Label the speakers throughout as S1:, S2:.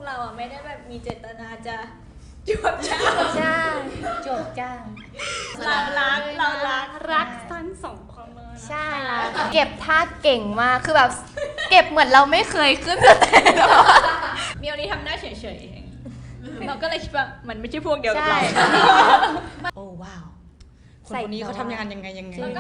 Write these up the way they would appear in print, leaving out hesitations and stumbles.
S1: เราอ่ะไม่ได้แบบมีเจตนาจะจวบจ้า
S2: ใช่จบจ้าง
S1: เรารัก
S3: ทั้งสองคนเลย
S2: ใช่แล้วเก็บท่าเก่งมากคือแบบเก็บเหมือนเราไม่เคยขึ้นสเตจ
S1: มีวันนี้ทำหน้าเฉยๆเองเราก็เลยคิดว่ามันไม่ใช่พวกเดียวกับเรา
S4: โอ้ว้าวคนคนนี้เขาทำงานยังไง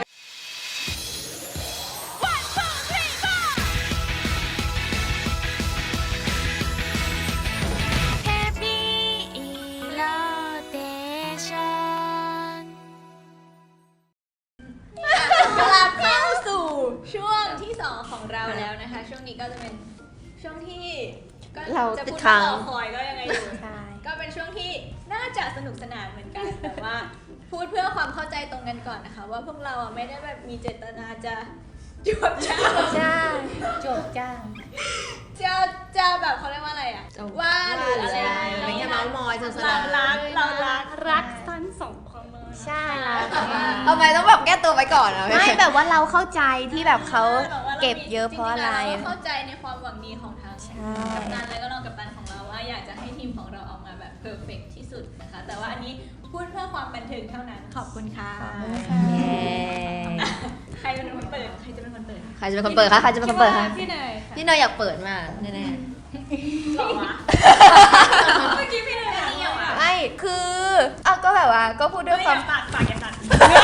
S1: กลับเข้าสู่ช่วงที่ 2 ของเราแล้วนะคะ ช่วงนี้ก็จะเป็นช่วงที่ก็
S2: เรา
S1: จะ
S2: ติด
S1: พูด
S2: ค้าง
S1: ว่ารอคอยก็ยังไงอยู่
S2: ใช่
S1: ก็เป็นช่วงที่น่าจะสนุกสนานเหมือนกันแต่ว่าพูดเพื่อความเข้าใจตรงกันก่อนนะคะ ว่าพวกเราอ่ะไม่ได้แบบมีเจตนาจะจวบจ้า
S2: ใช่จบจ้าง
S1: จะแบบเขาเรียกว่าอะไรอ่ะว่าหรืออะไร
S4: อะไรเงี้ยเมาส์มอยสนุกสนาน
S3: รักทั้งสองคนเลย
S2: ใช่แล้ว
S5: ทำไมต้องแบบแก้ตัวไปก่อนอะ
S2: ไม่แบบว่าเราเข้าใจที่แบบเขาเก็บเยอะเพราะอะไร
S1: จงๆแล้วเราก็เข้าใจในความหวังดีของทาง
S2: ใช่
S1: กัปตันและก็รองกัปตันของเราว่าอยากจะให้ทีมของเราออกมาแบบเพอร์เฟกที่สุดนะคะแต่ว่าอันนี้พูดเพื่อความบันเทิงเท่านั้นขอบคุณค่ะ
S2: เย้
S1: ใครเป็นคนเปิดใครจะเป็นคนเปิด
S5: ใครจะเป็นคนเปิดคะใครจะเป็นคนเปิดคะ
S1: พี่เนย
S5: พี่เนยอยากเปิดมากแน่
S1: หรอวะเมื่อกี้พี่เนยเที่ยวอ่ะ
S2: ไม่คือเอาก็แบบว่าก็พูดด้วยความ
S1: ปากอย่าตัด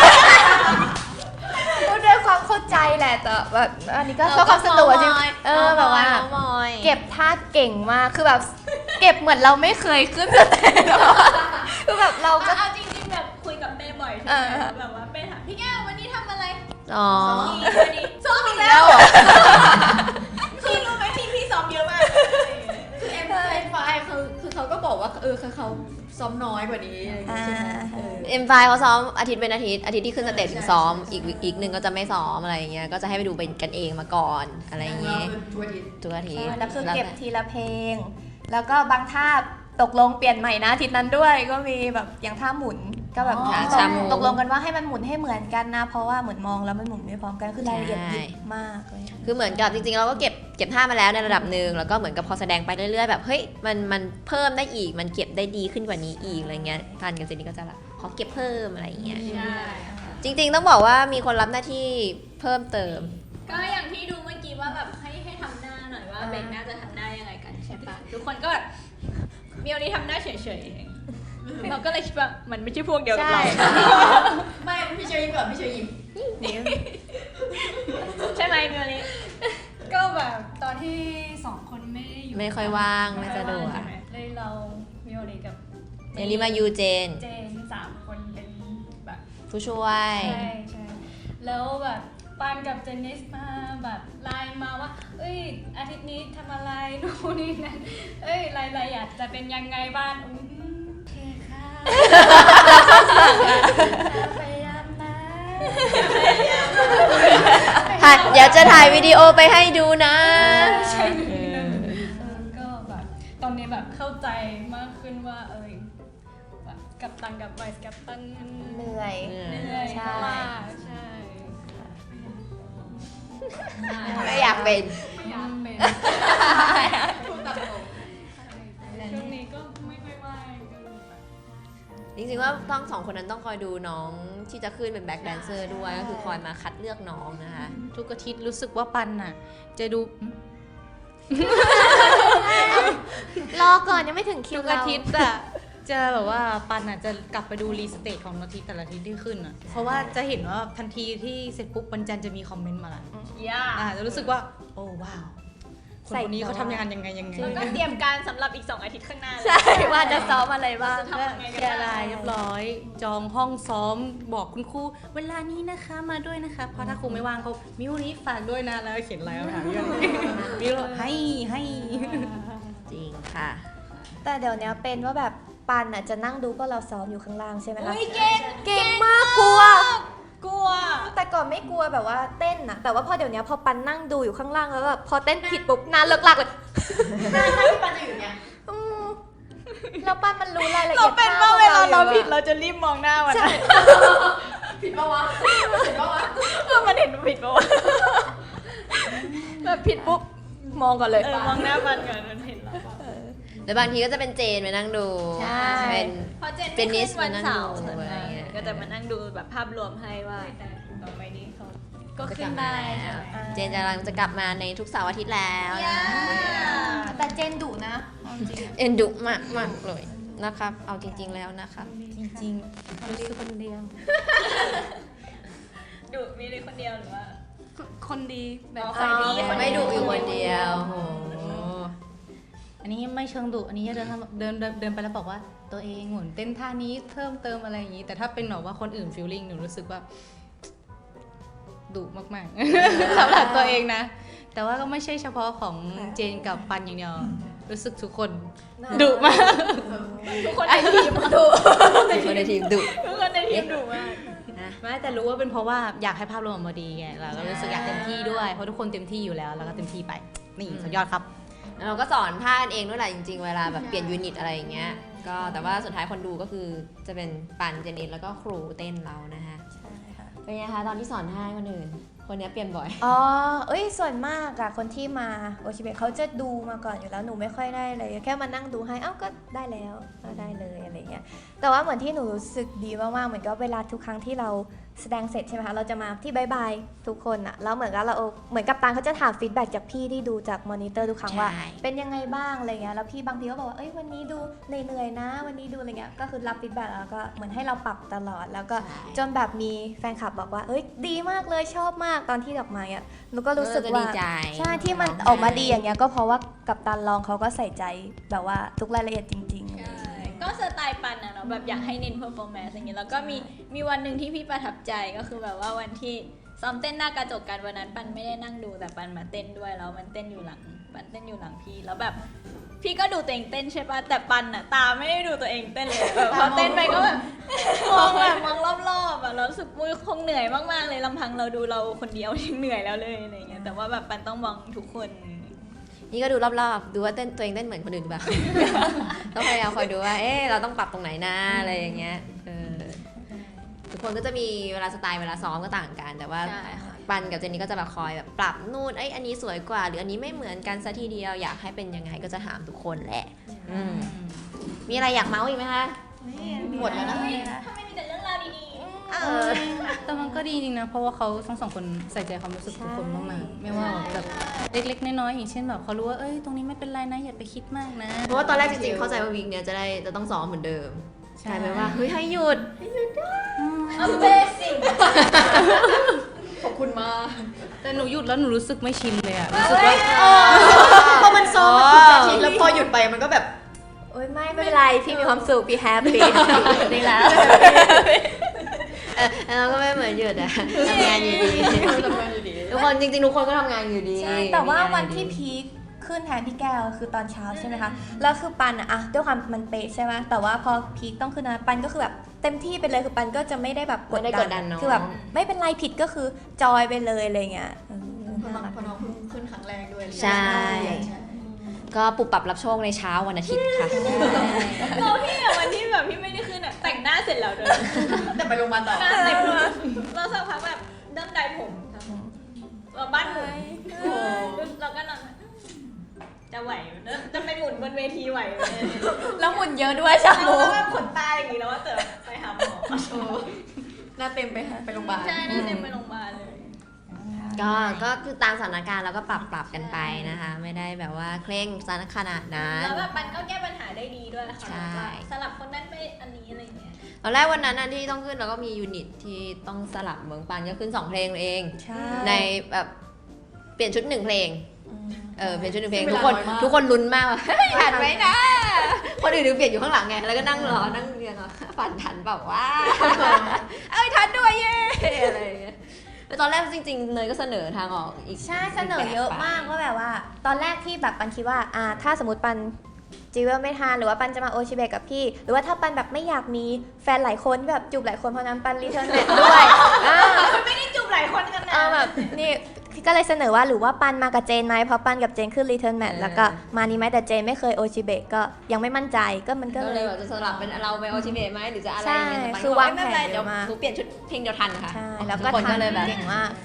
S2: พูดด้วยความเข้าใจแหละแต่แบบอันนี้ก็เพื่อความสนุกจริงแบบว่า
S5: มอย
S2: เก็บท่าเก่งมากคือแบบเก็บเหมือนเราไม่เคยขึ้นสเตจคือแบบเราก็
S1: เอาจริงๆแบบคุยกับเป้บ่อยใช่ไหมแบบว่าเป้ถามพี่แก้ววันนี้ทำอะไร
S5: อ๋อ
S1: วันนี้ซ้อมอีกแล้วคือรู้ไหมทีมพี่ซ้อมเยอะมาก
S5: คือไฟคือเขาก็บอกว่าเขาซ้อมน้อยกว่านี้เอ็มไฟเขาซ้อมอาทิตย์เป็นอาทิตย์ที่ขึ้นสเตจถึงซ้อมอีกหนึ่งก็จะไม่ซ้อมอะไรอย่างเงี้ยก็จะให้ไปดูเป็นกันเองมาก่อนอะไรอย่างเงี้ยทุกอาทิตย์
S2: แล้วคือเก็บทีละเพลง แล้วก็บางท่าตกลงเปลี่ยนใหม่นะอาทิตย์นั้นด้วยก็มีแบบอย่างท่าหมุนก็แบบตกลงกันว่าให้มันหมุนให้เหมือนกันนะเพราะว่าเหมือนมองแล้วมันหมุนไม่พร้อมกันคือรายละเอียดยิบมากเลย
S5: คือเหมือนกับจริงๆเราก็เก็บท่ามาแล้วในระดับหนึ่งแล้วก็เหมือนกับพอแสดงไปเรื่อยๆแบบเฮ้ยมันเพิ่มได้อีกมันเก็บได้ดีขึ้นกว่านี้อีกอะไรเงี้ยทันกับเจนนี่ก็จะแบบขอเก็บเพิ่มอะไรอย่างเงี้ย
S1: ใช่
S5: จริงๆต้องบอกว่ามีคนรับหน้าที่เพิ่มเติม
S1: ก็อย่างที่ดูเมื่อกี้ว่าแบบให้ทำหน้าหน่อยว่าเบนน่าจะทำหน้ายังไงกันใช่ปะทุกคนก็แบบมีวันนี้ทำหน้าเฉยๆเองเราก็เลยคิดว่ามันไม่ใช่พวกเดียวกับเรา
S5: ไม่พี่เชยยิ้มก่อนพี่เชยยิ้ม
S1: ใช่ไหมมีวันนี้
S3: ก็แบบตอนที่สองคนไม่ได้อยู่
S5: ไม่ค่อยว่างไม่สะดวก
S3: เลยเรามีโอเลกับ
S5: เจนนี่มายูเจน
S3: เจน3 คนเป็นแบบ
S5: ผู้ช่วย
S3: ใช่แล้วแบบปานกับเจนนิสมาแบบไลน์มาว่าเอ้ยอาทิตย์นี้ทำอะไรนู่นนี่นั่นเอ้ยรายละเอียดจะเป็นยังไงบ้างโอเคค่ะพยายามนะ
S5: เดี๋ยวจะถ่ายวิดีโอไปให้ดูนะ
S3: ใช่ก็แบบตอนนี้แบบเข้าใจมากขึ้นว่าแบบกัปตันกับไวส์กัปตันมัน
S2: เหนื่อย
S3: เหนื่อย
S2: ใช่
S3: มากใช่
S5: ไม่อยากเป็น
S3: พยายามเป็นช่วงนี้ก็ไม่ค่อยว่างก็เลยแบบ
S5: จริงๆว่าต้องสองคนนั้นต้องคอยดูน้องที่จะขึ้นเป็นแบ็คแดนเซอร์ด้วยก็คือคอยมาคัดเลือกน้องนะคะ
S4: ทุกอาทิตย์รู้สึกว่าปันน่ะจะดู
S2: รอก่อนยังไม่ถึงคิว
S4: ทุก
S2: เรา
S4: อาทิตย์อะจะแบบว่าปันอะจะกลับไปดูรีสเตทของอาทิตย์แต่ละอาทิตย์ที่ขึ้นอะเพราะว่าจะเห็นว่าทันทีที่เสร็จปุ๊บวันจันทร์จะมีคอมเมนต์มาละ
S1: ย่า
S4: จะรู้สึกว่าโอ้ว้าวคนคนนี้เขาทำงานยังไง
S1: แล้วก็เตรียมการสำหรับอีก2 อาทิตย์ข้างหน้าเลย
S2: ใช่ว่าจะซ้อมอะไรบ้าง
S1: จะทำยังไง
S4: เค
S1: กัน
S4: ลียร์
S1: บ้าง
S4: รายเรียบร้อย จองห้องซ้อมบอกคุณครูเวลานี้นะคะมาด้วยนะคะเพราะถ้าครูไม่ว่างเขามิวนี้ฝากด้วยนะแล้วเขียนอะไรมาถามมิวมิวให้
S5: จริงค่ะ
S2: แต่เดี๋ยวนี้เป็นว่าแบบปันอ่ะจะนั่งดูพวกเราซ้อมอยู่ข้างล่างใช่ไหมคะ
S1: เฮ้ยเก่ง
S2: เก่งมากกลัว
S1: กลัว
S2: แต่ก่อนไม่กลัวแบบว่าเต้นนะแต่ว่าพอเดี๋ยวนี้พอปันนั่งดูอยู่ข้างล่างแล้วแบบพอเต้นผิดปุ๊บนานเลิกลักเลยที่ปันจะอยู่เนี่ยแล้วปันมันรู้รายละเอี
S1: เรา
S2: ยด
S1: เป็นว่าเวลาเราผิดเราจะรีบมองหน้ามัน
S2: ใช่
S5: ผิดปะวะ
S1: เพื่อมันเห็นผิดปะวะแบบผิดปุ๊บ
S2: มองก่อนเลย
S1: มองหน้ามันก่อนมันเห็นเรา
S5: แล้วบางทีก็จะเป็นเจนไปนั่งดู
S2: ใช่
S5: เป็น
S1: เพราะเจน
S5: เป็น
S1: ไม่
S5: นิ
S1: ขึ้
S5: ส
S1: นวันเสาร์
S5: มานั่งดูอะไรเงี้ย
S1: ก็จะมานั่งดูแบบภาพรวมให้ว่า
S3: แต่ต่อไปนี้เขาก็
S5: จะ
S3: ขึ้
S5: กลั
S3: น
S5: บมา
S3: ได้
S5: แล้ว
S3: ใช่ไหม
S5: เจนกำลังจะกลับมาในทุกเสาร์อาทิตย์แล้วนะ
S2: แต่เจนดุนะเอาจริง
S5: เอ็นดุมากมากเลยนะครับ เอาจริง ๆแล้วนะครับ
S4: จริงๆรู้สึกคนเดียว
S1: ดูมีเลยคนเดียวหรือว่า
S4: คนดีแบบ
S1: อ๋อ
S4: ใจดี
S5: ไม่ดุอยู่คนเดียวโห
S4: อันนี้ไม่เชิงดุอันนี้เดินไปแล้วบอกว่าตัวเองหมุนเต้นท่านี้เพิ่มเติมอะไรอย่างนี้ แต่ถ้าเป็นแบบว่าคนอื่นฟีลลิ่งหนูรู้สึกว่าดุมากๆ สำหรับตัวเองนะ แต่ว่าก็ไม่ใช่เฉพาะของเจนกับปันอย่างเดียวรู้สึกทุกคนดุมาก
S1: ทุกคนในทีมดุ
S5: คนในทีมดุ
S1: ทุกคนในทีมดุมาก
S5: นะ
S4: ไม่แต่รู้ว่าเป็นเพราะว่าอยากให้ภาพรวมออกมาดีไงเราก็รู้สึกอยากเต็มที่ด้วยเพราะทุกคนเต็มที่อยู่แล้วแล้วก็เต็มที่ไปนี่สุดยอดครับ
S5: แล้วเราก็สอนท่ากันเองด้วยแหละจริง ๆ เวลาแบบเปลี่ยนยูนิตอะไรอย่างเงี้ยก็แต่ว่าสุดท้ายคนดูก็คือจะเป็นปันเจนิสแล้วก็ครูเต้นเรานะคะ
S2: ใช่ค่ะ
S5: เป็นไงคะตอนที่สอนท่าให้คนอื่น คนนี้เปลี่ยนบ่อย
S2: อ๋อ เอ้ย ส่วนมากอะคนที่มาโอชิเบะเขาจะดูมาก่อนอยู่แล้ว หนูไม่ค่อยได้เลย แค่มานั่งดูให้ เอ้า ก็ได้แล้วก็ได้เลยอะไรเงี้ย แต่ว่าเหมือนที่หนูรู้สึกดีมากๆ เหมือนกับเวลาทุกครั้งที่เราแสดงเสร็จใช่ไหมคะ เราจะมาที่บายบายทุกคนอะแล้วเหมือนกับเราเหมือนกับตาเขาจะถามฟีดแบ็กจากพี่ที่ดูจากมอนิเตอร์ทุกครั้งว่า
S5: ใช่
S2: เป็นยังไงบ้างอะไรเงี้ย แล้วพี่บางทีก็บอกว่า เอ้ย วันนี้ดูเหนื่อยๆนะ วันนี้ดูอะไรเงี้ย ก็คือรับฟีดแบ็กแล้วก็เหมือนให้เราปรับตลอด แล้วก็จนแบบมีแฟนคลับบอกว่า เอ้ย ดีมากเลยชอบมากตอนที่ดอกไม้อะหนูก็รู้สึก
S5: ดี
S2: ว่า
S5: ใจ
S2: ใช่ที่มันออกมาดีอย่างเงี้ยก็เพราะว่ากับตันลองเขาก็ใส่ใจแบบว่าทุกรายละเอียดจริงๆ
S1: ก็สไตล์ปันอะเนาะแบบอยากให้เน้นเพอร์ฟอร์แมนซ์อย่างเงี้ยแล้วก็มีวันหนึ่งที่พี่ประทับใจก็คือแบบว่าวันที่ซ้อมเต้นหน้ากระจกกันวันนั้นปันไม่ได้นั่งดูแต่ปันมาเต้นด้วยแล้วมันเต้นอยู่หลังปันเต้นอยู่หลังพี่แล้วแบบพี่ก็ดูตัวเองเต้นใช่ปะแต่ปันอะตาไม่ได้ดูตัวเองเต้นเลยแบบพอเต้นไปก็แบบมองรอบๆอะแล้วรู้สึกมือคงเหนื่อยมากๆเลยลำพังเราดูเราคนเดียวยังเหนื่อยแล้วเลยอะไรเงี้ยแต่ว่าแบบปันต้องมองทุกคน
S5: นี่ก็ดูรอบๆ ดูว่าตัวเองเต้นเหมือนคนอื่นหรือเปล่า ต้องพยายามคอยดูว่า เอ๊ะเราต้องปรับตรงไหนนะอะไรอย่างเงี้ยทุกคนก็จะมีเวลาสไตล์เวลาซ้อมก็ต่างกัน แต่ว่า
S1: ใช่ค่ะ
S5: ปันกับเจนนี่ก็จะแบบคอยแบบปรับนู่นอันนี้สวยกว่า หรืออันนี้ไม่เหมือนกันซะทีเดียว อยากให้เป็นยังไงก็จะถามทุกคนแหละอืมมีอะไรอยากเมาส์อีกไหมคะ
S2: หมดแล้วนะ
S1: ถ้าไม่มีแต่เรื่องราวดี
S4: แต่มันก็ดีจริงนะ เพราะว่าเขาทั้งสองคนใส่ใจความรู้สึกทุกคนมากๆไม่ว่าแบบเล็กๆน้อยๆอย่างเช่นแบบเขารู้ว่าเอ้ยตรงนี้ไม่เป็นไรนะอย่าไปคิดมากนะ
S5: เพราะว่าตอนแรกจริงๆเข้าใจว่าวีคเนี้ยจะต้องซ้อมเหมือนเดิม
S4: ใช่
S5: กลายเป็นว่าเฮ้ยให้หยุด
S1: ๆ Amazing
S3: ขอบคุณมาก
S4: แต่หนูหยุดแล้วหนูรู้สึกไม่ชินเลยอะรู้สึกว่า
S3: พอมันซ้อมมันทุกอาทิตย์แล้วพอหยุดไปมันก็แบบ
S2: โอ้ยไม่เป็นไร พี่มีความสุข พี่แฮปปี้ดีแล้ว
S5: เราก็ไม่เหมือนหยุดอะทำงานอยู่ดีทุกคนจริงๆทุกคนก็ทำงานอยู่ดี
S2: ใช่ แต่ว่า
S5: มีง
S2: วัน
S5: อยู่
S2: ที่
S5: ดี
S2: พีคขึ้นแทนพี่แก้วคือตอนเช้าใช่ไหมคะ แล้วคือปันอะด้วยความมันเป๊ะใช่ไหมแต่ว่าพอพีคต้องขึ้นนะปันก็คือแบบเต็มที่ไปเลยคือปันก็จะไม่ได้แบบ
S5: ไม่ได้กดดันเนอะ
S2: คือแบบไม่เป็นไรผิดก็คือจอยไปเลยอะไรเงี้ย
S3: พอน้องเพิ่งขึ้นครั้งแรกด้วย
S5: ใช่ ก็ปรับปรับรับโชคในเช้าวันอาทิตย์ค่ะ
S1: เราพี่อะวันที่แบบพี่ไม่ได้ขึ้นอะแต่งหน้าเสร็จแล้วเดิน
S3: แต่ไปโรงพยาบาลต่อ
S1: หน้าเต็มเลยเราสักพักแบบเริ่มได้ผมเราบ้านหมุนเราก็นอนจะไหวจะไปหมุนบนเวทีไหวไหม
S2: แล้วหมุนเยอะด้วยชา
S1: เรา
S2: บู
S1: ก็แบบขนตาอย่างนี้แล้วว่าเจอไปหาหมอ
S3: หน้าเต็มไปโรงพยาบาล
S1: ใช่หน้าเต็มไปโรงพยาบาลเลย
S5: ก็คือตามสถานการณ์เราก็ปรับกันไปนะคะ ไม่ได้แบบว่าเคร่งซะขนาดนั้น
S1: แล้วแบบมันก็แก้ปัญหาได้ดีด้วยค่ะ
S5: ใช่
S1: สลับคนนั้นไปอันนี้อะไรอย่างเงี้ย
S5: ตอนแรกวันนั้นที่ต้องขึ้นเราก็มียูนิตที่ต้องสลับเมืองปันก็ขึ้น2เพลงเอง
S2: ใช่
S5: ในแบบเปลี่ยนชุด1เพลงเปลี่ยนชุด1เพลง
S3: ซึ่ง
S5: ทุก
S3: เว
S5: ค
S3: ลาน น้อยมาก
S5: ทุกคนลุ้นมากว่าเฮ้ยทันไหมนะคนอื่นเปลี่ยนอยู่ข้างหลังไงแล้วก็นั่งรอนั่งเรียงฝันทันเปล่าว่าเอ้ยทันด้วยเย้อะไรอย่างเงี้ยแต่ตอนแรกจริงๆเนยก็เสนอทางออกอีก
S2: ใช่เสนอเยอะมากว่าแบบว่า ตอนแรกที่แบบปันคิดว่าถ้าสมมติปันจีเวลไม่ทานหรือว่าปันจะมาโอชิเบะกับพี่ หรือว่าถ้าปันแบบไม่อยากมีแฟนหลายคนแบบจูบหลายคนเพราะนั้นปันรีเทิร์นแมทด้วย
S1: ไม่ได้จูบหลายคนกันนะ
S2: แบบนี่ก็เลยเสนอว่าหรือว่าปันมากับเจนไหมเพราะปันกับเจนขึ้นรีเทิร์นแมทแล้วก็มานี้ไหมแต่เจนไม่เคยโอชิเบะก็ยังไม่มั่นใจก็มันก็
S5: ก็
S2: เล
S5: เลย ยแบบจะสลับเป็นเราไปโอชิเบะไหมหรือจะอะไร
S2: ใช่
S5: เงี้ยแต่ปัน
S2: คือ
S5: ก็บก
S2: วางแผน
S5: ไม่เป็นไร
S2: เย
S5: เดี๋ยว
S2: อะมาก
S5: หนูเปลี่ยนชุดเพลงเดียวทันค่ะ
S2: ใช่แล้ว
S5: ทุ
S2: ก็
S5: คนก็เลยแบบ
S2: เก่งมาก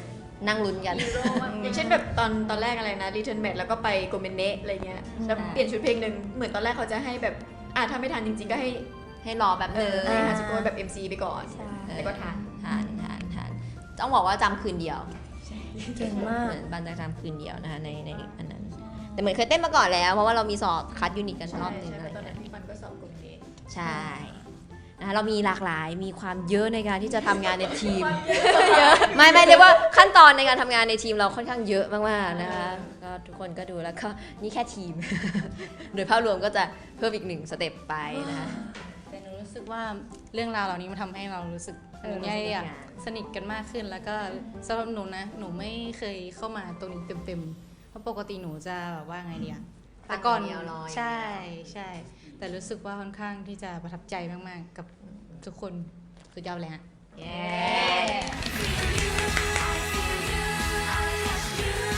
S5: นั่งลุ้นกัน
S6: อย่างเช่นแบบตอนแรกอะไรนะ Return Match แล้วก็ไปโกเมเนะอะไรเงี้ยแล้วเปลี่ยนชุดเพลงหนึ่งเหมือนตอนแรกเขาจะให้แบบถ้าไม่ทันจริงๆก็ให้
S5: รอแบบนึง
S6: ให้หาสกู๊ปแบบ MC ไปก่อนแล้วก็ทัน
S5: ทานต้องบอกว่าจำคืนเดียว
S2: เก่งมาก
S5: เหมือนบันจะจำคืนเดียวนะคะในอันนั้น แต่เหมือนเคยเต้นมาก่อนแล้วเพราะว่าเรามีสอบคัดยูนิตกันรอบนึงอะไร
S6: ตอนนั้
S5: เงี้ย
S6: นพี่ปันก็สอบโกเมเนะ
S5: ใช่นะคะเรามีหลากหลายมีความเยอะในการที่จะทำงานในทีม ไม่เรียกว่าขั้นตอนในการทำงานในทีมเราค่อนข้างเยอะมากๆนะคะก็ทุกคนก็ดูแล้วก็นี่แค่ทีม โดยภาพรวมก็จะเพิ่มอีก1 สเต็ปไปนะคะ
S4: แต่หนูรู้สึกว่าเรื่องราวเหล่านี้มันทำให้เรารู้สึกหนูเนี่ยอยากสนิทกันมากขึ้น แล้วก็สำหรับหนูนะหนูไม่เคยเข้ามาตรงนี้เต็มๆเพราะปกติหนูจะแบบว่าไงเดียแต่ก่อน
S5: ฟังอย่างเดียวรออย่างเดียว
S4: ใช่แต่รู้สึกว่าค่อนข้างที่จะประทับใจมากๆกับทุกคนสุดยอดเลยฮะ
S5: เย้